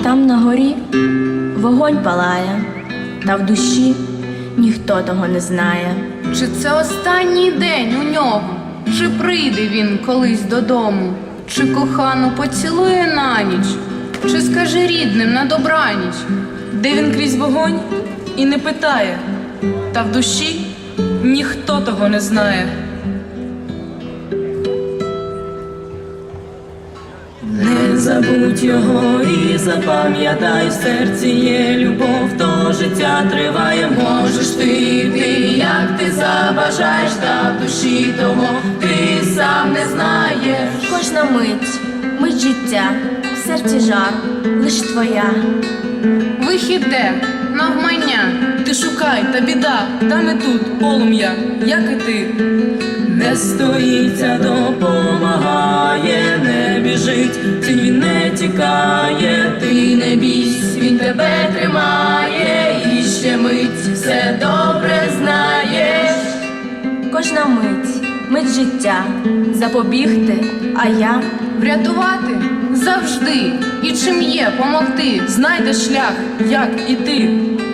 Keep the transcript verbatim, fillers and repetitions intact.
там на горі вогонь палає, та в душі ніхто того не знає. Чи це останній день у нього? Чи прийде він колись додому? Чи кохану поцілує на ніч? Чи скаже рідним на добраніч? Де він крізь вогонь і не питає, та в душі ніхто того не знає. Не забудь його і запам'ятай, в серці є любов, то життя триває. Можеш ти йти, як ти забажаєш, та в душі того ти сам не знаєш. Кожна мить, мить життя, в серці жар, лиш твоя. Вихід де? Навмання. Ти шукай, та біда, там і тут полум'я, як і ти. Не стоїться, допомагає, не біжить, тінь він не тікає. Ти не бійсь, він тебе тримає, і ще мить все добре знаєш. Кожна мить, мить життя, запобігти, а я Врятувати завжди. І чим є помогти. Знайде шлях, як іти.